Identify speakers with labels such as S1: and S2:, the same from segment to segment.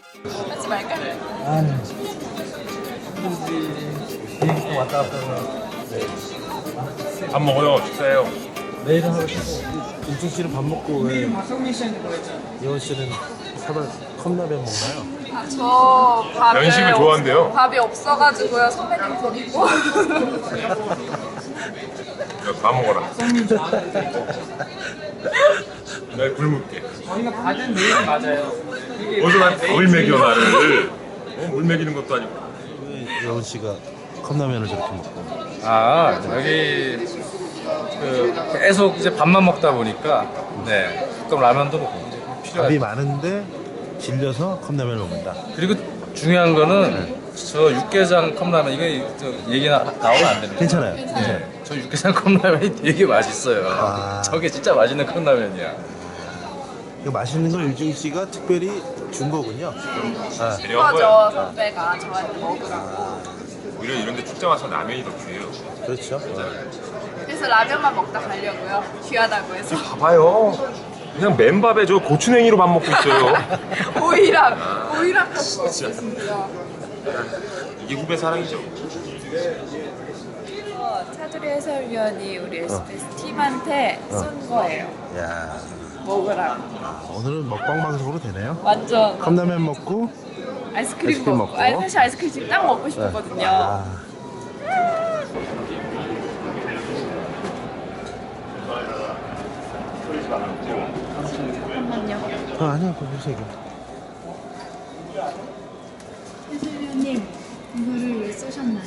S1: 하지 말까?
S2: 아니 비행기 왔다 갔다 하면
S3: 밥 먹어요. 식사해요.
S2: 내일은 하루 쉬고 은중 씨는 밥 먹고 왜 예원 씨는 컵라면 먹나요?
S1: 저 밥을
S3: 면식을 좋아한대요.
S1: 밥이 없어가지고요. 선배님 드리고.
S3: 다 먹어라. 날 굶을게.
S4: 저희가 받은 메일이 맞아요.
S3: 어디서 난 밥을 먹여 나를. 물 먹이는 것도 아니고.
S2: 왜 예원 씨가 컵라면을 저렇게 먹고?
S4: 아 여기 계속 이제 밥만 먹다 보니까 네 가끔 라면도 먹고
S2: 밥이
S4: 필요하죠.
S2: 많은데 질려서 컵라면을 먹는다.
S4: 그리고 중요한 거는 저 육개장 컵라면 이게 얘기 나오면 안 됩니다.
S2: 괜찮아요.
S4: 네, 저 육개장 컵라면이 되게 맛있어요.
S2: 아.
S4: 저게 진짜 맛있는 컵라면이야.
S2: 이거 맛있는 걸 윤중 씨가 특별히 준 거군요. 아,
S3: 데려온 거야.
S1: 그거죠. 선배가 저한테 먹으라고.
S3: 오히려 이런데 출장 와서 라면이 더 귀해요.
S2: 그렇죠.
S1: 그래서 라면만 먹다 가려고요. 귀하다고 해서.
S3: 봐봐요. 그냥 맨밥에 저 고추냉이로 밥 먹고 있어요.
S1: 오이랑 같이 먹겠습니다.
S3: 이게 후배 사랑이죠.
S1: 차두리 해설위원이 우리 SBS 팀한테 쏜 거예요.
S2: 야,
S1: 먹으라고.
S2: 오늘은 먹방 방송으로 되네요.
S1: 완전
S2: 컵라면 먹고
S1: 아이스크림
S2: 먹고.
S1: 먹고. 아니 사실 아이스크림 지금 딱 먹고 싶었거든요.
S2: 아,
S1: 잠깐만요.
S2: 아니요, 그거 보세요.
S5: 해설위원님 이거를 왜 쓰셨나요?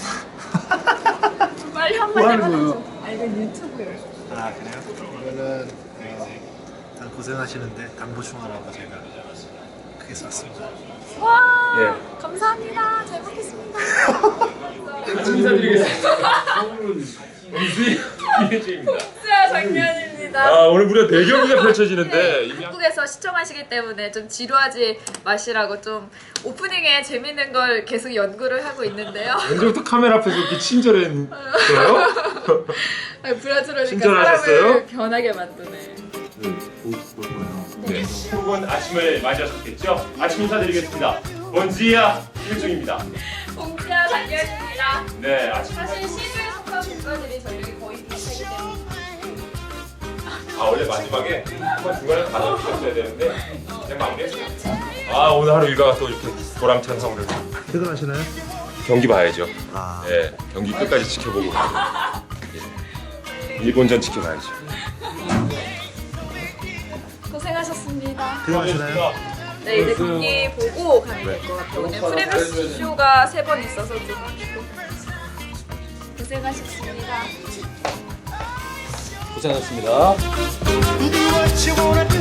S1: 빨리 한마디 해주세요. 아 이건 유튜브예요.
S2: 아, 그래요? 이거는 다 고생하시는데 당보충하라고 제가 크게 썼습니다.
S1: 와 감사합니다. 잘 먹겠습니다.
S3: 인사드리겠습니다. 이혜주입니다.
S1: 진짜 장면입니다.
S3: 아 오늘 무려 4경기가 펼쳐지는데 이미
S1: 한국에서 시청하시기 때문에 좀 지루하지 마시라고 좀 오프닝에 재밌는 걸 계속 연구를 하고 있는데요.
S3: 언제부터 카메라 앞에서 이렇게 친절했어요?
S1: 브라질어니까
S3: 친절하셨어요?
S1: 사람을 변하게 만드네.
S3: 네. 두분 아침을 맞이하셨겠죠? 아침 인사드리겠습니다. 본지야 이혜중입니다.
S1: 공지야 장면입니다.
S3: 네 아침.
S1: 사실 시주에 속한 국가들이 전력이 거의 비슷하기 때문에
S3: 아 원래 마지막에 한번 중간에 가서 쉬었어야 되는데 그냥 마무리했어요. 아 오늘 하루 일과가 또 이렇게 보람찬 하루를.
S2: 퇴근하시나요?
S3: 경기 봐야죠.
S2: 아,
S3: 네 경기 끝까지 지켜보고 일본전 지켜봐야죠.
S1: 고생하셨습니다.
S2: 퇴근하시나요?
S1: 네 이제 경기 보고 가면 될 것 같아요. 오늘 프레스 쇼가 3번 있어서 좀
S4: 고생하셨습니다.
S6: what you wanna